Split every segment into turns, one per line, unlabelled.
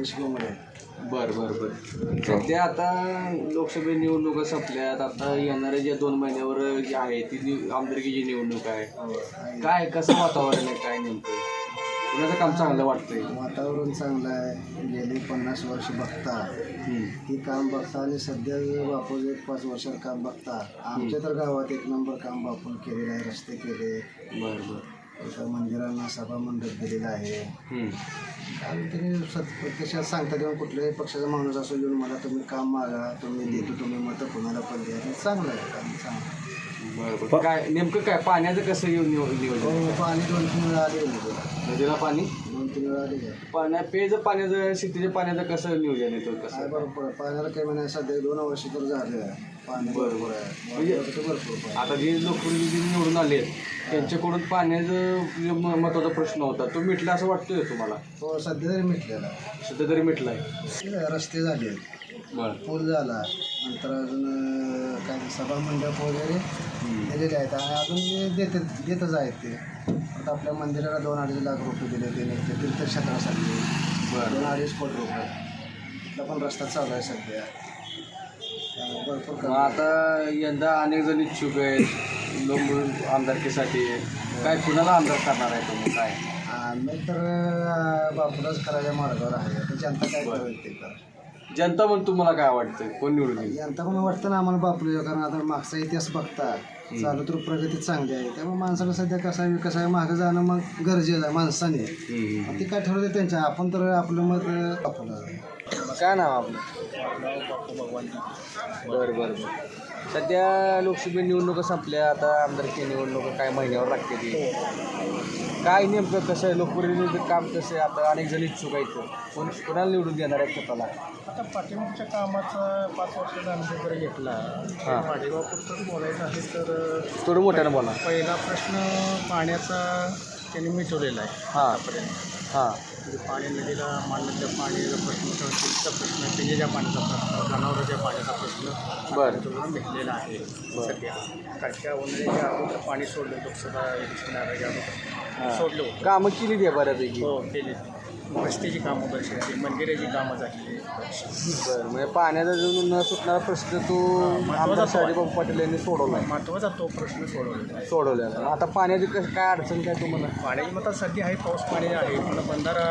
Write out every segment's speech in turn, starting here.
एक्सपोमध्ये.
बरं बरं बरं. सध्या आता लोकसभा निवडणुका संपल्यात. आता येणाऱ्या ज्या 2 महिन्यावर जी आहे ती आमदारकीची निवडणूक आहे. काय कसं वातावरण आहे, काय नेमकं कुणाचं काम चांगलं वाटतंय?
वातावरण चांगलं आहे. गेली 50 वर्ष बघता ही काम बघता आणि सध्या बापूचं 1-5 वर्षात काम बघता. आमच्या तर गावात 1 नंबर काम बापून केलेलं आहे. रस्ते केले,
बरं बरं.
एका मंदिरांना सभा मंडप दिलेला आहे. आणि तरी प्रत्यक्षात सांगता तेव्हा कुठल्याही पक्षाचा माणूस असो येऊन मला तुम्ही काम मागा, तुम्ही देतो, तुम्ही मतं कोणाला पण द्या. हे चांगलं आहे काम, चांगलं.
बरं बरं. काय नेमकं काय पाण्याचं कसं नियोजन?
पाणी 2-3 वेळा आले
नदीला पाणी
2-3 वेळा आले.
पेयचं पाण्याचं शेतीच्या पाण्याचं कसं नियोजन येतं कसं?
काय बरोबर पाण्याला काही म्हणा सध्या 2 वर्ष तर झाले पाणी बरोबर आहे.
म्हणजे
भरपूर
आता जे लोकप्रतिनिधी निवडून आले त्यांच्याकडून पाण्याचं महत्त्वाचा प्रश्न होता, तो मिटला असं वाटतोय तुम्हाला?
हो, सध्या तरी मिटलेला.
सध्या तरी मिटलाय.
रस्ते झाले,
बरं,
पूल झाला, नंतर अजून काय सभा मंडप वगैरे दिलेले आहेत आणि अजून देतच आहेत ते. आता आपल्या मंदिराला 2-2.5 लाख रुपये दिले त्याने ते तीर्थक्षेत्रासाठी.
बरं,
2-2.5 कोटी रुपये. तिथला पण रस्ता चालू आहे सध्या. भरपूर
मग आता यंदा अनेक जण इच्छुक आहेत लोक आमदारकीसाठी. काय कुणाला आमदार करणार आहे तुम्ही? काय
आम्ही तर बापूलाच करायच्या मार्गावर आहे. आता जनता काय करेल ते करा.
जनता म्हणून तुम्हाला काय वाटतं कोण निवडून येईल?
जनता पण वाटतं ना आम्हाला बापूला, कारण आता मागचा इतिहास बघता चालू तर प्रगती चांगली आहे. त्यामुळे माणसाला सध्या कसा विकास आहे मागं जाणं मग गरजेचं आहे माणसाने. ते काय ठरवते त्यांच्या, आपण तर आपलं मत बापूला.
काय नाव आपलं? बरं बरं. सध्या लोकसभा निवडणुका संपल्या, आता आमदारकी निवडणुका काय महिन्यावर लागते ती. काय नेमकं कसं आहे लोकप्रतिनिधी काम कसं आहे? आता अनेक जण इच्छुक आहेत, कोणाला निवडून देणार आहे स्वतःला?
आता पाठीमागच्या कामाचा 5 वर्षाचा अनुभव जर घेतला, वाडेगावपुरतं बोलायचं आहे तर
थोडं मोठ्यानं बोला.
पहिला प्रश्न पाण्याचा त्यांनी मिटवलेला आहे.
हां,
म्हणजे पाणी नदीला मानलं पाण्याचा प्रश्न, शेतीचा प्रश्न, पिण्याच्या पाण्याचा प्रश्न, जनावरांच्या पाण्याचा प्रश्न
बरं
भेटलेला आहे. सध्या कालच्या उन्हाळ्याच्या अगोदर पाणी सोडलं, लोकसभा इलेक्शन आल्याच्या अगोदर सोडलं होतं.
कामं केली द्या बऱ्यापैकी.
हो केली. रस्त्याची कामं बरेचशी, मंदिराची कामं झाली.
बरं, म्हणजे पाण्याचा जो न सुटणारा प्रश्न तो आमदार शाजीबाबू पाटील यांनी सोडवला आहे.
महत्त्वाचा तो प्रश्न
सोडवलेला. आता पाण्याची काय अडचण काय तुम्हाला?
पाण्याची मग आता सध्या आहे, पाऊस पाणी आहे. पण बंधारा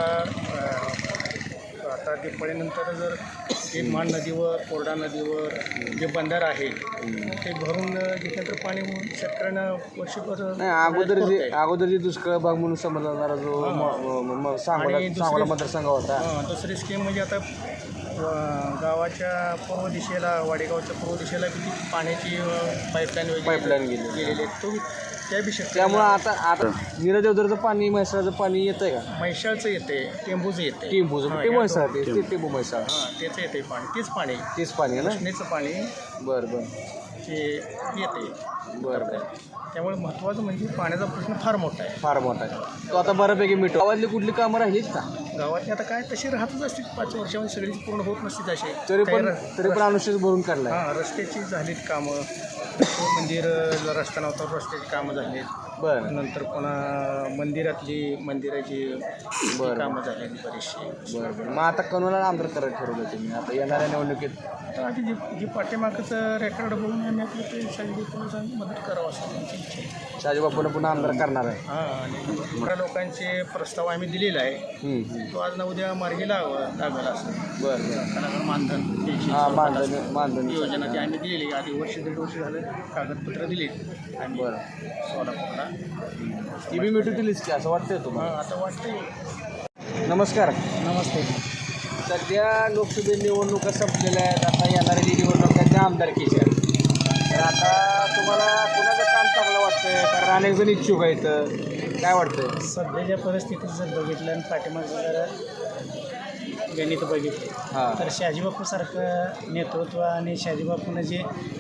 आता दिवाळीनंतर जर ते मान नदीवर, कोरडा नदीवर जे बंधारा आहे ते भरून घेतल्यानंतर पाणी शेतकऱ्यांना वर्षभर
नाही. अगोदर जी दुष्काळ भाग म्हणून समजणारा जो सांगोला मतदारसंघ होता.
दुसरी स्कीम म्हणजे आता गावाच्या पूर्व दिशेला, वाडेगावच्या पूर्व दिशेला किती पाण्याची पाईपलाईन गेलेली आहे तो
त्यामुळं आता नीरदेवधरचं पाणी, म्हैसाळचं पाणी येतंय का?
म्हैसाळचं येते, टेंबूचं येते.
म्हैसाळ टेंबू म्हैसाळ
त्याचं येते पाणी,
तेच पाणी आहे ना?
कृष्णेचं पाणी
बरं
ते येते.
बरं.
त्यामुळे महत्त्वाचं म्हणजे पाण्याचा प्रश्न फार मोठा आहे.
तो आता बऱ्यापैकी मिटो. गावातली कुठली कामं राहिलीच का?
गावातली आता काय तशी राहतच असते, 5 वर्षामध्ये सगळी पूर्ण होत नसते तसे.
तरी पण अनुशेष भरून काढला.
रस्त्याची झालीत कामं, मंदिर रस्ता नव्हता, रस्त्याची कामं झालीत.
बरं.
नंतर पुन्हा मंदिराची कामं झालेली बरीचशी.
बरं. मग आता कोणाला आमदार करायला ठरवलं तुम्ही आता येणाऱ्या निवडणुकीत?
तर आधी जी पाठीमागचं रेकॉर्ड बघून आम्ही आपलं ते शाजीबापूंना मदत करावं असं आमची इच्छा आहे.
शाजीबापूंना पुन्हा आमदार करणार आहे.
आणि बऱ्या लोकांचे प्रस्ताव आम्ही दिलेला आहे. तो आज ना उद्या मार्गी लागला असं.
बरं.
मानधन योजना ती आम्ही दिलेली. आधी 1-1.5 वर्ष झालं कागदपत्र दिली आणि सोलापूरला
ती बी मिटू दिलीच की असं वाटतंय तुम्हाला?
आता वाटतंय.
नमस्कार.
नमस्ते.
सध्या लोकसभा निवडणुका संपलेल्या आहेत. आता येणाऱ्या जी निवडणूक आहेत त्या आमदारकीच्या. तर आता तुम्हाला कुणाचं काम चांगलं वाटतंय? कारण अनेक जण इच्छुक आहेत, काय वाटतंय?
सध्याच्या परिस्थितीत जर बघितलं आणि पाठीमागचं जरा गणित बघितले तर शाजीबापूसारखं नेतृत्व आणि शाजीबापूनं जे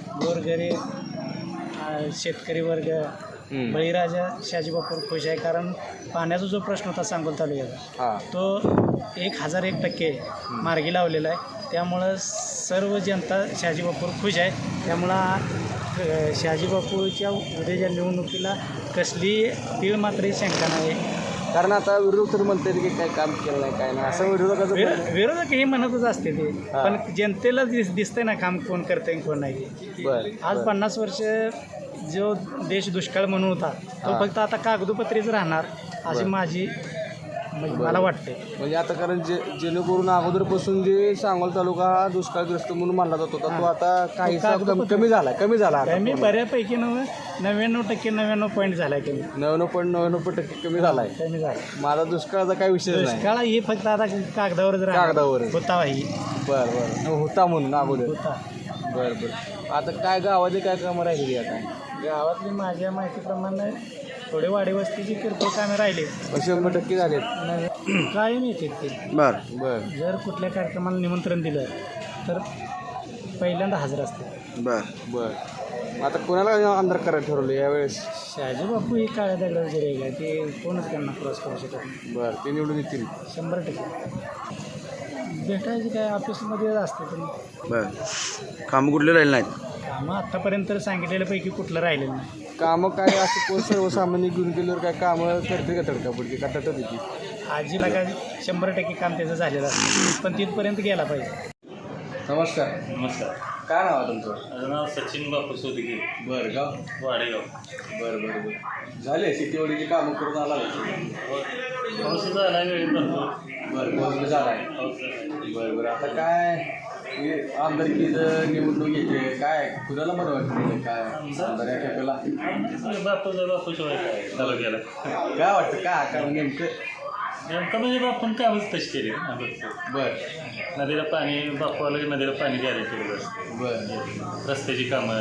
गोरगरीब शेतकरी वर्ग, बळीराजा शाजीबापूर खुश आहे. कारण पाण्याचा जो प्रश्न होता सांगोला तालुक्याचा तो 1001% मार्गी लावलेला आहे. त्यामुळं सर्व जनता शाजीबापूर खुश आहे. त्यामुळं शाजीबापूच्या उद्याच्या निवडणुकीला कसली तीळ मात्र शंका नाही.
कारण आता विरोधक तर म्हणतात की काय काम केलं नाही काय नाही असं विरोधकाचं
विरोधक हे म्हणतच असते ते, पण जनतेला दिसतंय ना काम कोण करतंय कोण नाही.
बरं
आज 50 वर्ष जो देश दुष्काळ म्हणून होता तो फक्त आता कागदोपत्रीच राहणार अशी माझी मला वाटते.
म्हणजे आता कारण जेणेकरून अगोदरपासून जे सांगोला तालुका हा दुष्काळग्रस्त म्हणून मानला जात होता तो आता काहीसा कमी झाला
कमी बऱ्यापैकी 99.99% झाला कमी
99.99% कमी झालाय. माझा दुष्काळाचा काही विषय नाही.
दुष्काळ ही फक्त आता कागदावर होता ही.
बरं होता म्हणून अगोदर
होता.
बरं आता काय गावाचे काय कामं राहिली आता
गावातली माझ्या माहितीप्रमाणे थोडे वाडी वस्तीची किरकोळ कामे राहिले
100% झालेत.
काय नाही ते.
बरं
जर कुठल्या कार्यक्रमाला निमंत्रण दिलं तर पहिल्यांदा हजर असते.
बरं आता कोणाला आमदार करायला ठरवलं यावेळेस?
शहाजी बापू ही काळ्या दगडाचे रेग आहे ते कोणच त्यांना क्रॉस करू शकत नाही.
बरं ते निवडून येतील
100%. भेटायची काय ऑफिसमध्ये असते पण.
बरं कामं कुठले राहिले नाहीत?
कामं आत्तापर्यंत सांगितलेल्यापैकी कुठलं राहिलेलं नाही.
कामं काय असं कोण सर्वसामान्य घेऊन गेल्यावर काय कामं करते का तडकापडकी का तटत होती?
आजीला काय 100% काम त्याचं झालेलं असतं पण तिथपर्यंत गेला पाहिजे.
नमस्कार. काय नाव आहे तुमचं?
माझं नाव सचिन बापू सोदगी.
बरं गाव
वाडेगाव.
बरं झाले शेतीवाडीची कामं करून आला
पाऊस झाला वेळी भरपूर.
बरं झाला आहे. बरं आता काय आमदारकीचं निवडणूक येते काय कुणाला बरं वाटतं काय आमदार या खेपेला
बापू शिवाय काय तालुक्याला
काय वाटतं काय नेमकं
म्हणजे बापून कामच तशी केली.
बरं
नदीला पाणी बापू आलं की नदीला पाणी द्यायला केलं असतं.
बरं
रस्त्याची कामं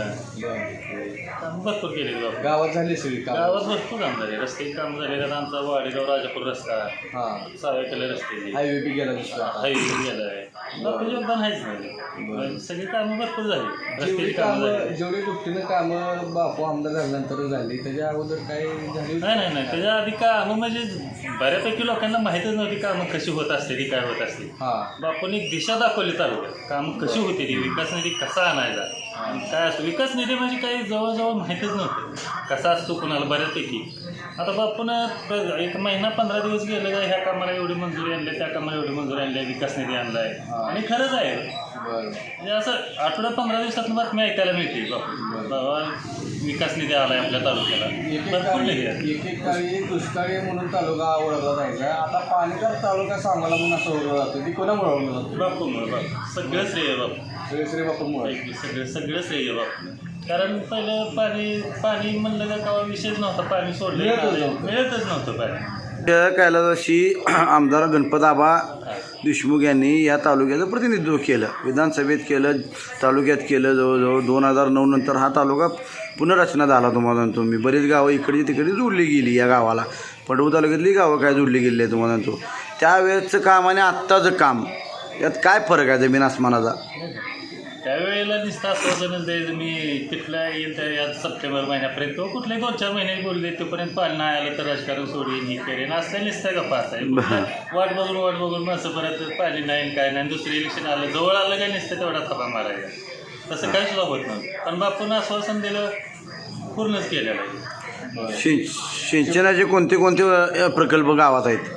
भरपूर केली बापू.
गावात झाली सगळी
गावात भरपूर काम झाले. रस्त्याची काम झाले तर आमचा वाडेगाव राजापूर रस्ता
हां
सावेकडे रस्ते
हायवे बी गेला दुसरा
हायवे गेला आहे. बापू योगदान आहेच नाही. सगळी कामं भरपूर झाली. रस्त्याची कामं झाली.
जेवढी दुपटीनं कामं बापू आमदार झाल्यानंतर झाली त्याच्या अगोदर काही झाली
नाही त्याच्या आधी कामं म्हणजे बऱ्यापैकी लोकांना माहीतच नव्हती कामं कशी होत असते ती काय होत असते. बापून एक दिशा दाखवली तालुक्यात कामं कशी होती ती विकास निधी कसा आणायचा काय असतो. विकास निधी म्हणजे काही जवळजवळ माहीतच नव्हतं कसा असतो कुणाला बऱ्यापैकी. आता बापून एक महिना 15 दिवस गेले का ह्या कामाला एवढी मंजुरी आणली त्या कामाला एवढी मंजुरी आणली विकास निधी आणलाय आणि खरंच आहे. म्हणजे असं आठवड्यात 15 दिवसातून बातमी ऐकायला मिळते बाबा विकास निधी आलाय आपल्या तालुक्याला. भरपूर निधी आहे.
एकेकाळी दुष्काळी म्हणून तालुका ओळखला जायचा आता पाणीदार तालुका सांगायला म्हणून असं ओळखलं जातं ती कोणामुळे ओळखलं जातं?
बापूमुळे सगळं श्रेय बापू.
श्री बापूमुळे
सगळं श्रेय बापू. कारण पहिलं पाणी म्हणलं का विषयच नव्हता. पाणी सोडलं मिळतच नव्हतं पाणी.
कैलासवासी आमदार गणपतआबा देशमुख यांनी या तालुक्याचं प्रतिनिधित्व केलं. विधानसभेत केलं तालुक्यात केलं. जवळजवळ 2009 नंतर हा तालुका पुनर्रचना झाला. तुम्हाला सांगतो मी बरीच गावं इकडची तिकडे जोडली गेली या गावाला. पडवळ तालुक्यातली गावं काय जोडली गेली आहे तुम्हाला सांगतो. त्यावेळेचं काम आणि आत्ताचं काम यात काय फरक आहे जमीन आसमानाचा?
त्यावेळेला नुसतं आश्वासनच द्यायचं मी तिथल्या येईल त्या या सप्टेंबर महिन्यापर्यंत तो कुठल्याही 2-4 महिने बोलले तोपर्यंत पाणी नाही आलं तर राजकारण सोडून ही करेन असं नुसतं गप्पा असाय. वाट बघून असं परत पाणी नाही काय नाही. दुसरं इलेक्शन आलं जवळ आलं काय नुसतं तेवढा थपा मारायचा तसं काही सुद्धा होत नव्हतं. पण बापून आश्वासन दिलं पूर्णच केलेलं आहे.
सिंचनाचे कोणते प्रकल्प गावात आहेत?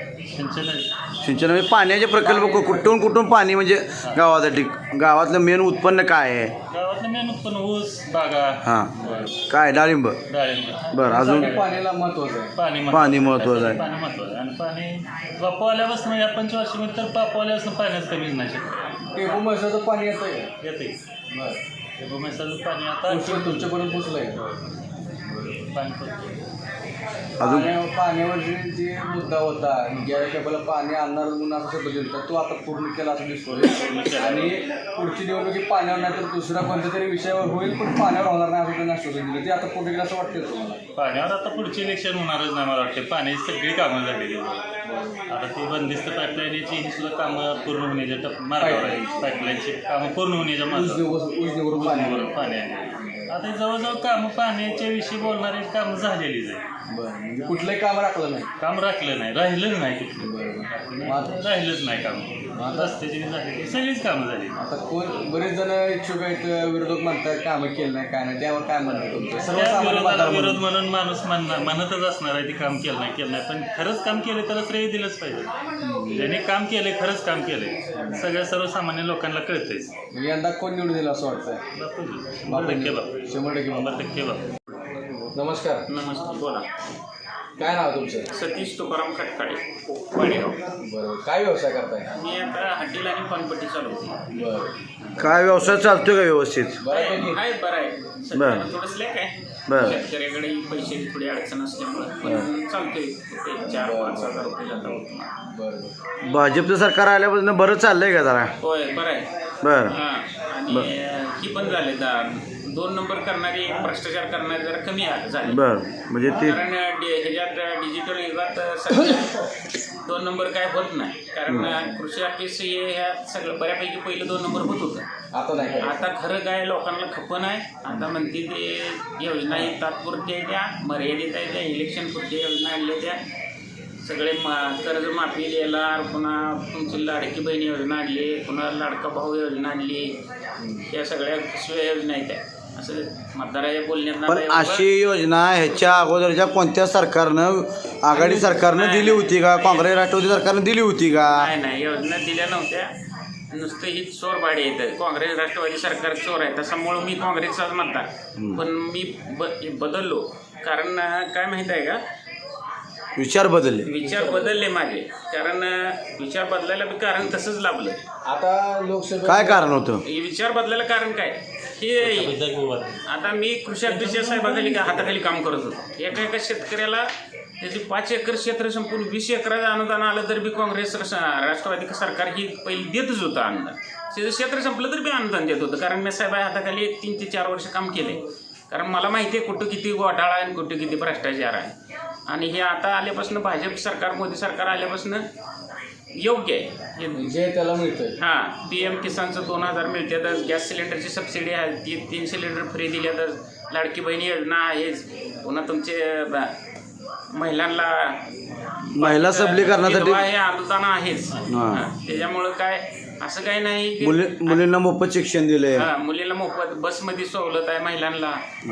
सिंचन म्हणजे पाण्याचे प्रकल्प कुठून पाणी म्हणजे गावासाठी गावातलं मेन उत्पन्न काय आहे?
गावातलं मेन उत्पन्न ऊस बागा.
हां काय डाळिंब. बरं अजून
पाण्याला महत्वाचं आहे.
पाणी महत्वाचं आहे.
पाणी महत्वाचं आहे. आणि पाणी बापू आल्यापासून या 25 वर्षामध्ये तर बापू आल्यापासून पाण्याचं कमीच नाही शकत.
टेबू म्हैसाचं पाणी येतं
येते
बरं
टेबू म्हैसाचं पाणी आता
तुमच्यापर्यंत पोचलं आहे
पाणी
पाण्यावर जे मुद्दा होता ज्या केवळ पाणी आणणार म्हणून असं शब्द दिला तो आता पूर्ण केला असं दिसतोय. आणि पुढची निवडणुकी पाण्यावर नाही तर दुसऱ्या कोणत्या तरी विषयावर होईल पण पाण्यावर होणार नाही असं त्यांना आश्वासन दिलं ते आता पूर्ण केलं असं वाटतं तुम्हाला?
पाण्यावर आता पुढचे इलेक्शन होणारच नाही मला वाटते. पाण्याची सगळी कामं झालेली आता ती बंदिस्त पाईपलाईनची ही सुद्धा कामं पूर्ण होण्याच्या मार्गावर आहे. पाईपलाईनची कामं पूर्ण होण्याच्या मार्गावर पाणी आहे. आता जवळजवळ कामं पाण्याच्या विषयी बोलणारी कामं झालेलीच आहे.
कुठलंही काम राखलं नाही.
काम राखलं नाही राहिलंच नाही कुठलं राहिलंच नाही काम. रस्त्याची झाली ती सगळीच कामं झाली.
आता कोण बरेच जण इच्छुक आहेत, विरोधक म्हणतात कामं केलं नाही काय नाही, त्यावर काय म्हणणं तुमचं?
त्या
सर्वसामान्य
विरोधाला
मतदार
विरोध
म्हणून.
म्हणून माणूस म्हणतच असणार आहे ती काम केलं नाही पण खरंच काम केलं तर श्रेय दिलंच पाहिजे. ज्याने काम केले खरंच काम केले सगळ्या सर्वसामान्य लोकांना कळतेच.
यंदा कोण निवडून दिलं असं वाटतंय?
100% बापू.
100%
बापू.
नमस्कार,
नमस्ते, बोला.
काय नाव तुमचं?
सतीश तुकाराम खटकाळे, वाडेगाव.
बरोबर, काय व्यवसाय करताय?
मी आता हॉटेल आणि पानपट्टी चालवते.
बरं,
काय व्यवसाय चालतोय का व्यवस्थित?
बऱ्यापैकी.
आहे बरं आहे. सध्याला थोडं स्लॅक आहे.
बरं.
शेतकऱ्याकडे पैसे थोडी अडचण असल्यामुळे पण चालतोय. ते 4-5 हजार रुपये जातात उत्पन्न.
बरं,
भाजपचं सरकार आल्यापासून बरं चाललंय का जरा?
होय, बरं आहे.
बरं.
हां, आणि ही पण झाले 2 नंबर करणारे, भ्रष्टाचार करणारे जरा कमी झाले.
बरं, म्हणजे ते
कारण ह्याच्यात डिजिटल युगात सध्या 2 नंबर काय होत नाही. कारण कृषी ऑफिस हे ह्या सगळं बऱ्यापैकी पहिलं 2 नंबर होत होतं.
आता नाही काय?
आता खरं काय लोकांना खपन आहे. आता म्हणते ते योजना ही तात्पुरत्या त्या मर्यादित आहे, त्या इलेक्शन पुरत्या योजना आणल्या त्या सगळे कर्जमाफी द्यायला, पुन्हा तुमची लाडकी बहीण योजना आणली, पुन्हा लाडका भाऊ योजना आणली, या सगळ्या पिशव्या योजना आहेत त्या. असं मतदाराच्या बोलण्यात
पण अशी योजना ह्याच्या अगोदरच्या कोणत्या सरकारनं, आघाडी सरकारनं दिली होती का? काँग्रेस राष्ट्रवादी सरकारनं दिली होती का?
नाही, योजना दिल्या नव्हत्या. नुसतं ही चोर भाडे येतं. काँग्रेस राष्ट्रवादी सरकार चोर आहे, त्याच्यामुळं मी काँग्रेसचाच मतदार. पण मी बदललो. कारण काय माहीत आहे का,
विचार
बदलले माझे. कारण विचार बदलायला बी कारण तसंच लाभलं.
आता लोकसभा
काय कारण होतं?
हे विचार बदलायला कारण काय, हे आता मी कृषी अध्यक्ष साहेबाखाली हाताखाली काम करत होतो. एका शेतकऱ्याला त्याची 5 एकर क्षेत्र संपून 20 एकराचं अनुदान आलं तर बी काँग्रेस राष्ट्रवादी सरकार ही पहिली देतच होतं अनुदान. त्याचं क्षेत्र संपलं तर बी अनुदान देत होतं. कारण मी साहेब हाताखाली 3 ते 4 वर्ष काम केले. कारण मला माहिती आहे कुठं किती घोटाळा आहे आणि कुठं किती भ्रष्टाचार आहे. आणि हे आता आल्यापासून भाजप सरकार, मोदी सरकार आल्यापासून योग्य आहे.
जे त्याला मिळतंय.
हां, PM किसानचं 2000 मिळतातच. गॅस सिलेंडरची सबसिडी आहे, ती 3 सिलेंडर फ्री दिल्यातच. लाडकी बहिणी योजना आहेच. पुन्हा तुमचे महिलांना
महिला सबलीकरणासाठी
हे अनुदान आहेच. त्याच्यामुळं काय असं काही नाही की
मुलींना मोफत शिक्षण दिले.
मुलीला मोफत बसमध्ये सवलत आहे महिलांना.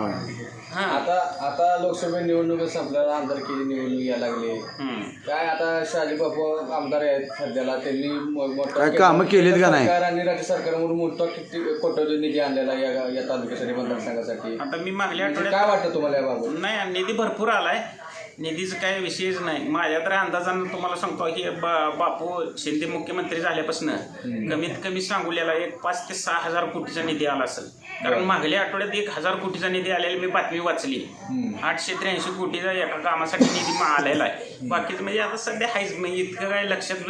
आता लोकसभा निवडणूक संपल्याला आमदारकीची निवडणूक यायला लागली. काय आता शहाजी बापू आमदार आहेत सध्याला, त्यांनी
काय कामं केलीत का नाही?
सरकार आणि राज्य सरकारमधून मोठा किती कोट्यवधी निधी आणलेला या तालुक्यासाठी, मतदारसंघासाठी.
आता मी मागल्या आठवड्यात
काय वाटतं तुम्हाला याबाबत?
नाही, निधी भरपूर आलाय. निधीचं काही विषयच नाही. माझ्या तर अंदाजानं तुम्हाला सांगतो की बापू शिंदे मुख्यमंत्री झाल्यापासून कमीत कमी सांगोल्याला 5,000 ते 6,000 कोटीचा निधी आला असेल. कारण मागल्या आठवड्यात 1,000 कोटीचा निधी आलेला मी बातमी वाचली. 883 कोटीचा एका कामासाठी निधी आलेला आहे. बाकीचं म्हणजे आता सध्या हायच, म्हणजे इतकं काय लक्षात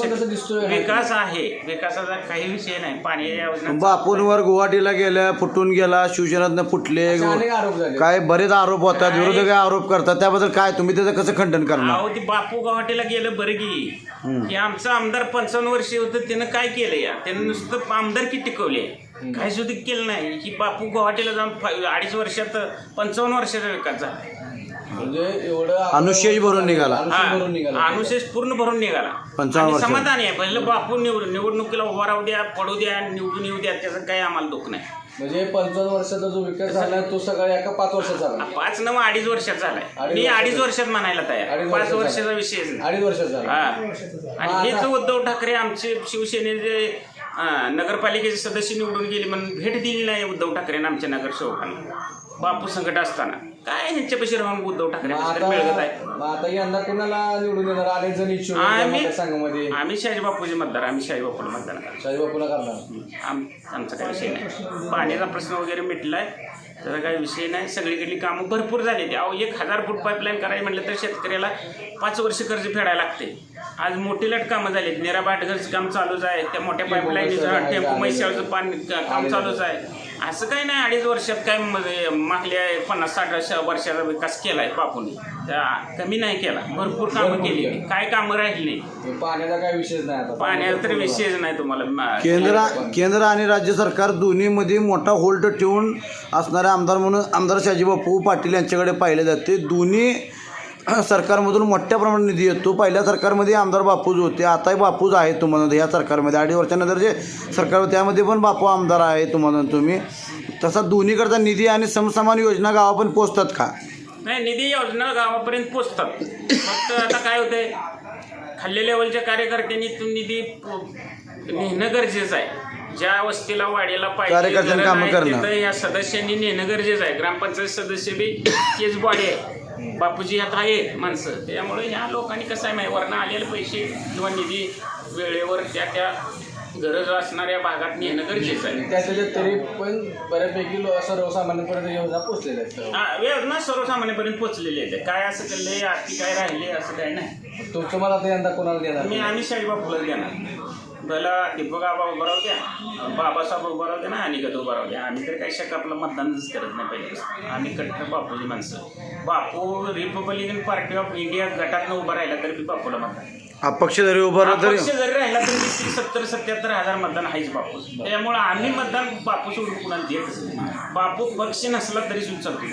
विकास आहे. विकासाचा काही विषय नाही. पाण्याच्या योजना
बापूंवर गुवाहाटीला गेल्या, फुटून गेला, शिवसेनेतनं फुटले, काय बरेच आरोप होतात, विरोधक आरोप करतात. त्याबद्दल काय तुम्ही त्याचं कसं खंडन करणार?
अहो, ती बापू गुवाहाटीला गेलं बरं की आमचं आमदार 55 वर्षे होतं, त्यानं काय केलं या? त्यानं नुसतं आमदारकी टिकवली, काही सुद्धा केलं नाही. की बापू गुवाहाटीला जाऊन 2.5 वर्षात 55 वर्षाचा विकास झाला.
म्हणजे एवढं
अनुशेष भरून निघाला.
अनुशेष पूर्ण भरून निघाला.
55 वर्ष
समाधान आहे. पहिलं बापू निवडणुकीला उभा राहू द्या, पडू द्या, निवडून येऊ द्या, त्याचं काही आम्हाला दुःख नाही.
म्हणजे 55 वर्षाचा जो विकास झाला तो सगळा एका 5 वर्षात झाला.
5 नव्हे 2.5 वर्षात झालाय. मी 2.5 वर्षात म्हणायला तयार. 5 वर्षाचा विषय
2.5 वर्षात झाला.
आणि हेच उद्धव ठाकरे आमचे शिवसेनेचे नगरपालिकेचे सदस्य निवडून गेले म्हणून भेट दिली नाही उद्धव ठाकरेंना आमच्या नगरसेवकांना. बापू संकट असताना काय ह्यांच्यापाशी राहून उद्धव ठाकरे मिळत आहे.
आता यंदा कोणाला निवडून येणार? अनेक जण इच्छुक मतदारसंघामध्ये.
आम्ही शहाजी बापूचे मतदार. आम्ही शहाजी बापूला मतदान करणार.
शहाजी बापूला करणार.
आमचा काही विषय नाही. पाण्याचा प्रश्न वगैरे मिटलाय, त्याचा काही विषय नाही. सगळीकडली कामं भरपूर झाली. अहो, 1,000 फूट पाईपलाईन करायची म्हटलं तर शेतकऱ्याला 5 वर्ष कर्ज फेडायला लागते. आज मोठी लट कामं झाली. नेराबाटघरचं काम चालूच आहे. त्या मोठ्या पाईपलाईनचं टेम्पो मैशाळचं काम चालूच आहे. असं काही नाही. 2.5 वर्षात काय मागल्या 50-60 वर्षाचा विकास केलाय बापूने. कमी नाही केला. भरपूर कामं केली. काय कामं राहिली नाही.
पाण्याचा काय विषय नाही. आता
पाण्याचा तर विषयच नाही. तुम्हाला
केंद्र आणि राज्य सरकार दोन्हीमध्ये मोठा होल्ड ठेवून असणारे आमदार म्हणून आमदार शहाजी बापू पाटील यांच्याकडे पाहिले जाते. दोन्ही सरकारमधून मोठ्या प्रमाणात निधी येतो. पहिल्या सरकारमध्ये आमदार बापूज होते, आताही बापूज आहेत तुम्हाला या सरकारमध्ये. 2.5 वर्षानंतर जे सरकार त्यामध्ये पण बापू आमदार आहे तुम्हाला. तुम्ही तसा दोन्हीकडचा निधी आणि समसमान योजना गावापर्यंत पोचतात का?
नाही, निधी योजना गावापर्यंत पोचतात. फक्त आता काय होतंय, खाल्ल्या लेवलच्या कार्यकर्त्यांनी तो निधी नेणं गरजेचं आहे. ज्या वस्तीला वाड्याला
कार्यकर्त्यांनी कामं करणं.
तिथं या सदस्यांनी नेणं गरजेचं आहे. ग्रामपंचायत सदस्य बी तेच बॉडी आहे. बापूजी आता आहे माणसं, त्यामुळे ह्या लोकांनी कसं आहे माहिती, वरनं आलेले पैसे किंवा निधी वेळेवर त्या गरज असणाऱ्या भागात नेणं गरजेचं आहे.
त्याच्यात तरी पण बऱ्यापैकी सर्वसामान्यपर्यंत योजना पोहोचलेल्या आहेत.
योजना सर्वसामान्यपर्यंत पोहोचलेली आहे. काय असं केलंय, आरती काय राहिले असं काय नाही.
तुम्हाला आता यंदा कोणाला देणार?
आम्ही शाहीबापूला देणार. पहिला दीपक आबा उभा राहू द्या, बाबासाहेब उभा राहू द्या ना, अनिकेत उभा राहू द्या. आम्ही तर काही शक आपलं मतदानच करत नाही पहिले. आम्ही कट्टर बापूची माणसं. Bapu Republican party of India गटातनं उभा राहिला तरी बी बापूला मतदान.
अपक्ष जरी उभा राहिला तरी
अपक्ष जरी राहिला तरी 70-77 हजार मतदान आहेच बापूस. त्यामुळे आम्ही मतदान बापू सोडून कुणाला देतच नाही. बापू पक्ष नसला तरी सुद्धा चालतो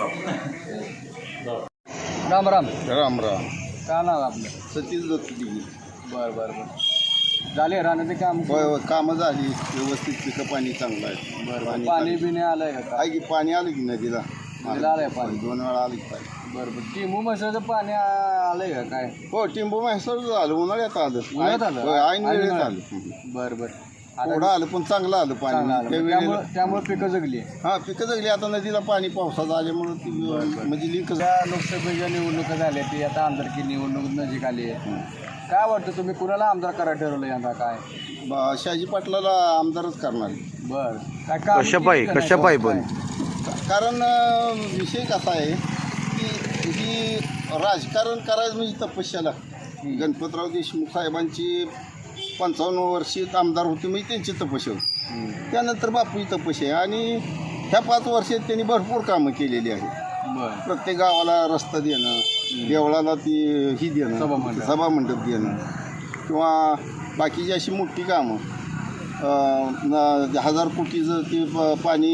बापू.
राम राम.
राम राम.
का नाव आपलं?
सतीश दत्तदिगी.
बरं. झाले राहण्याचे काम?
होय होय, कामं झाली व्यवस्थित, पिकं पाणी चांगलं आहे.
बरं. पाणी बिणे आलंय का?
आहे की पाणी आलं की नदीला?
नदीला आलंय पाणी?
2 वेळा आलं की पाणी.
बरं. टिंबू म्हैसाचं पाणी आलंय का काय?
हो, टिंबू म्हैसाळ झालं, उन्हाळ्यात आलं.
उन्हाळ्यात आलं?
होय, ऐन वेळेत
उन्हाळ्यात.
आलं.
बरं.
थोडं आलं पण चांगलं आलं पाणी.
त्यामुळे पिकं जगली.
हां, पिकं जगली. आता नदीला पाणी पावसाचं आल्यामुळं ती म्हणजे लिंक.
लोकसभेच्या निवडणुका झाल्या ती आता आमदारकी निवडणूक नजीक आली आहे. काय वाटतं, तुम्ही कुणाला आमदार करायला ठरवलं यंदा? काय
शहाजी पाटलाला आमदारच करणार.
बरं. काय काम
कशापायी पण
कारण विषय कसा आहे की ही राजकारण करायचं म्हणजे तपस्या लागते. गणपतराव देशमुख साहेबांची 55 वर्षीय आमदार होते म्हणजे त्यांची तपस्या होती. त्यानंतर बापूची तपस्या आहे आणि ह्या 5 वर्षात त्यांनी भरपूर कामं केलेली आहेत. प्रत्येक गावाला रस्ता देणं, देवळाला ती ही देणं, सभामंडप देणं किंवा बाकीची अशी मोठी कामं, 1000 कोटीचं ते पाणी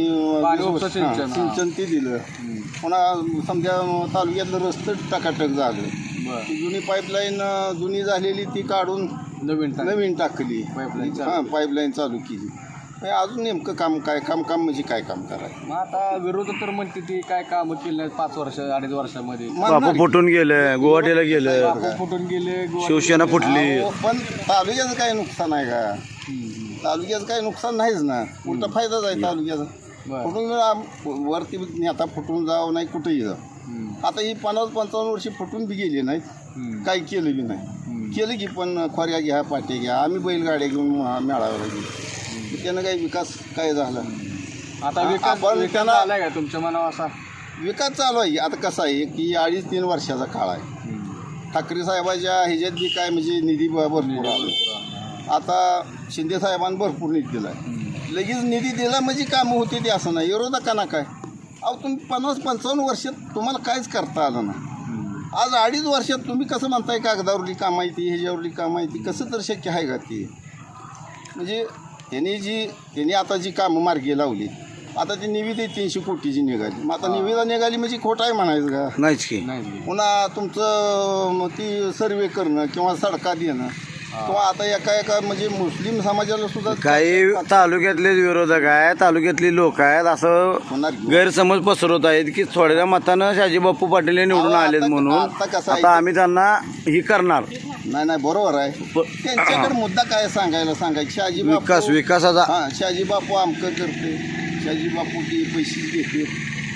सिंचन ते दिलं. पुन्हा समजा तालुक्यातलं रस्तं टकाटक झालं. ती जुनी पाईपलाईन जुनी झालेली ती काढून नवीन टाकली. पाईपलाईन चालू केली. अजून नेमकं काम काय? काम म्हणजे काय काम करायचं?
मग आता विरोध तर म्हणते ती काय कामं केली नाही 5 वर्ष 2.5 वर्षामध्ये.
बापू फुटून गेलं, गुवाहाटीला गेलं,
फुटून गेले,
शिवसेना फुटली.
पण तालुक्याचं काही नुकसान आहे का? तालुक्याचं काही नुकसान नाहीच ना, उलटा फायदाच आहे तालुक्याचा. फुटून वरती आता फुटून जावं नाही, कुठेही जावं. आता ही 50-55 वर्षी फुटून बी गेली नाही, काही केलं बी नाही. केलं की पण खोऱ्या घ्या, पाट्या घ्या, आम्ही बैलगाड्या घेऊन मेळाव्याला गेलो. त्यानं काही विकास काय झाला?
आता विकास त्यांना आलाय का तुमच्या मनावर? असा
विकास चालू आहे. आता कसं आहे की 2.5-3 वर्षाचा काळ आहे. ठाकरे साहेबाच्या ह्याच्यात बी काय म्हणजे निधी भरपूर आला. आता शिंदे साहेबांनी भरपूर निधी दिला आहे. लगेच निधी दिला म्हणजे कामं होते ते असं नाही. विरोधकांना काय, अहो तुम्ही 50-55 वर्षात तुम्हाला काहीच करता आलं नाही. आज 2.5 वर्षात तुम्ही कसं म्हणताय कागदावरली कामं आहे ती, ह्याच्यावरली कामं आहे ती, कसं तर शक्य आहे का ती? म्हणजे त्यांनी आता जी कामं मार्गी लावली, आता ती निविदा 300 कोटीची निघाली. मग आता निविदा निघाली म्हणजे खोटं आहे म्हणायचं का?
नाहीच की.
पुन्हा तुमचं ती सर्वे करणं किंवा सडका देणं किंवा आता एका म्हणजे मुस्लिम समाजाला सुद्धा
काही तालुक्यातलेच विरोधक आहेत, तालुक्यातली लोक आहेत, असं गैरसमज पसरवत आहेत की थोड्या मतानं शहाजी बापू पाटील निवडून आलेत म्हणून आता आम्ही त्यांना ही करणार.
नाही बरोबर आहे. त्यांच्याकडे मुद्दा काय सांगायचं
विकासाचा.
हां, शहाजी बापू अमकं करते, शहाजी बापू ती पैसे घेते,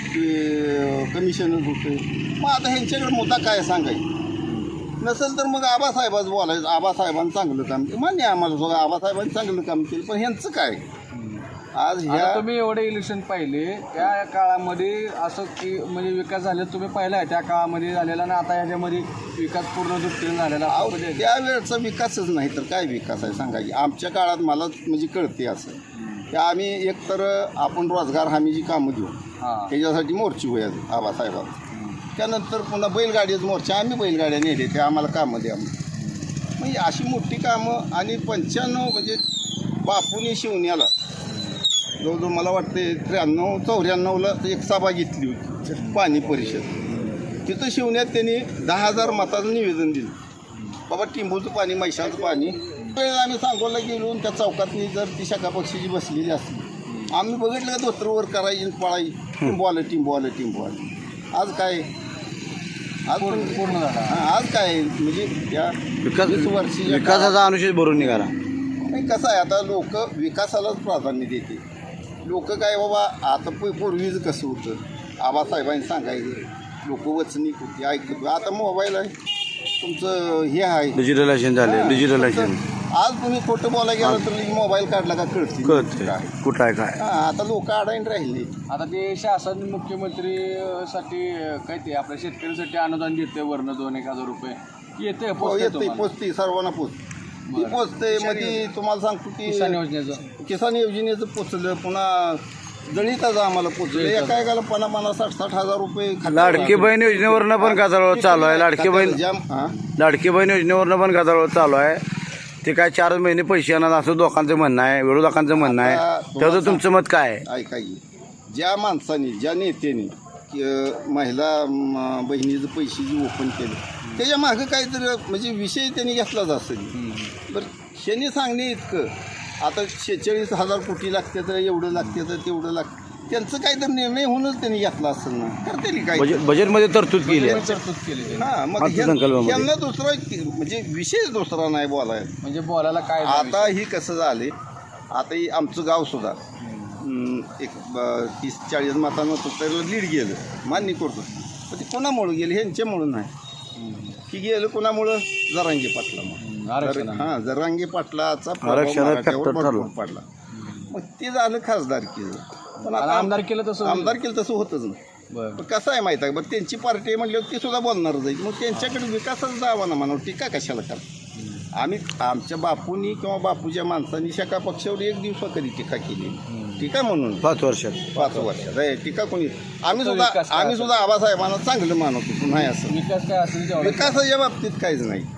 ते कमिशनच होते. मग आता ह्यांच्याकडे मुद्दा काय सांगायचं नसेल तर मग आबासाहेबाचं बोलायचं. आबासाहेबांनी चांगलं काम केलं मान्य आम्हाला सगळं, आबासाहेबांनी चांगलं काम केलं, पण ह्यांचं काय? आज ह्या
तुम्ही एवढे इलेक्शन पाहिले त्या काळामध्ये असं की म्हणजे विकास झाले तुम्ही पाहिला आहे त्या काळामध्ये झालेला ना आता याच्यामध्ये विकास पूर्ण दृष्टीने झालेला?
त्यावेळेचा विकासच नाही तर काय विकास आहे सांगा की? आमच्या काळात मला म्हणजे कळते असं की आम्ही एकतर आपण रोजगार हमीची कामं देऊ, त्याच्यासाठी मोर्चे होया आबासाहेबांचं. त्यानंतर पुन्हा बैलगाडीच मोर्चा, आम्ही बैलगाड्या नेले ते आम्हाला कामं द्या म्हणजे अशी मोठी कामं. आणि 95 म्हणजे बापूने शिवण्याला जवळजवळ मला वाटते 93-94ला एक सभा घेतली होती, पाणी परिषद. तिथं शिवण्यात त्यांनी 10,000 मताचं निवेदन दिलं. बाबा टिंबूचं पाणी, मैशाचं पाणी. वेळेला आम्ही सांगोला गेलो त्या चौकातनी जर ती शाखा पक्षाची बसलेली असली, आम्ही बघितलं का धोत्रवर करायची आणि पळायची, टिंबू आलं. आज काय, आज पूर्ण झाला. आज काय म्हणजे त्या 20 वर्षी
विकासाचा अनुशेष भरून निघाला.
नाही कसं आहे आता लोक विकासालाच प्राधान्य देते. लोक काय बाबा आता पूर्वीच कसं होतं, आबासाहेबांनी सांगायचं, लोक वचनिक होती, ऐकत. आता मोबाईल आहे तुमचं, हे आहे
डिजिटलायझेशन झाले. डिजिटलायझेशन
आज तुम्ही खोटं बोलायला गेलं तर मोबाईल काढला का कळते
कुठं आहे काय.
आता लोक अडाईन राहिले.
आता ते शासन मुख्यमंत्रीसाठी काय ते आपल्या शेतकऱ्यांसाठी अनुदान देते वरनं 2-1,000 रुपये येते
येते पोचते, सर्वांना ती पोचते. मध्ये तुम्हाला सांगतो की किसान योजनेचं पोचलं, पुन्हा दलिताचं आम्हाला पोचलं. एका एकाला 50-60 हजार रुपये.
लाडकी बहीण योजनेवरनं पण गदारोळ चालू आहे. लाडकी बहीण योजनेवरनं पण गदारोळ चालू आहे. ते काय 4 महिने पैसे येणार असं लोकांचं म्हणणं आहे, विरोधकांचं म्हणणं आहे. त्याचं तुमचं मत काय आहे?
ऐका की, ज्या माणसाने, ज्या नेत्याने महिला बहिणीचं पैसे जे ओपन केलं, त्याच्या मागं काहीतरी म्हणजे विषय त्यांनी घेतलाच असेल. बरं ह्याने सांगणे इतकं, आता 46,000 कोटी लागते तर एवढं लागते तर तेवढं लागतं, त्यांचं काहीतरी निर्णय होऊनच त्यांनी घेतला असेल ना. करते काय
बजेटमध्ये तरतूद केली.
हां, मग यांना दुसरा म्हणजे विषयच दुसरा नाही बोलायला.
म्हणजे बोलायला काय.
आता ही कसं झाले, आता ही आमचं गावसुद्धा एक 30-40 मतांना त्याला लीड गेलं, मान्य करतो. पण ते कोणामुळं गेलं, ह्यांच्यामुळं नाही. की गेलं कोणामुळं, जरांगे पाटलामुळं. हां, जरांगे पाटलाचा भरपूर पडला. मग ते झालं खासदारकीचं. पण आता आमदार केलं तसं होतच नाही. पण कसं आहे माहीत आहे, बरं त्यांची पार्टी म्हणल्यावर ती सुद्धा बोलणारच आहे. मग त्यांच्याकडे विकासाचा जावा ना म्हणावं, टीका कशाला करा. आम्ही आमच्या बापूंनी किंवा बापूच्या माणसांनी शाखा पक्षावर 1 दिवसा कधी टीका केली. टीका म्हणून 5 वर्षात टीका कोणी. आम्ही सुद्धा आबासाहेबांना चांगलं मानतो. नाही असं विकासाच्या बाबतीत काहीच नाही.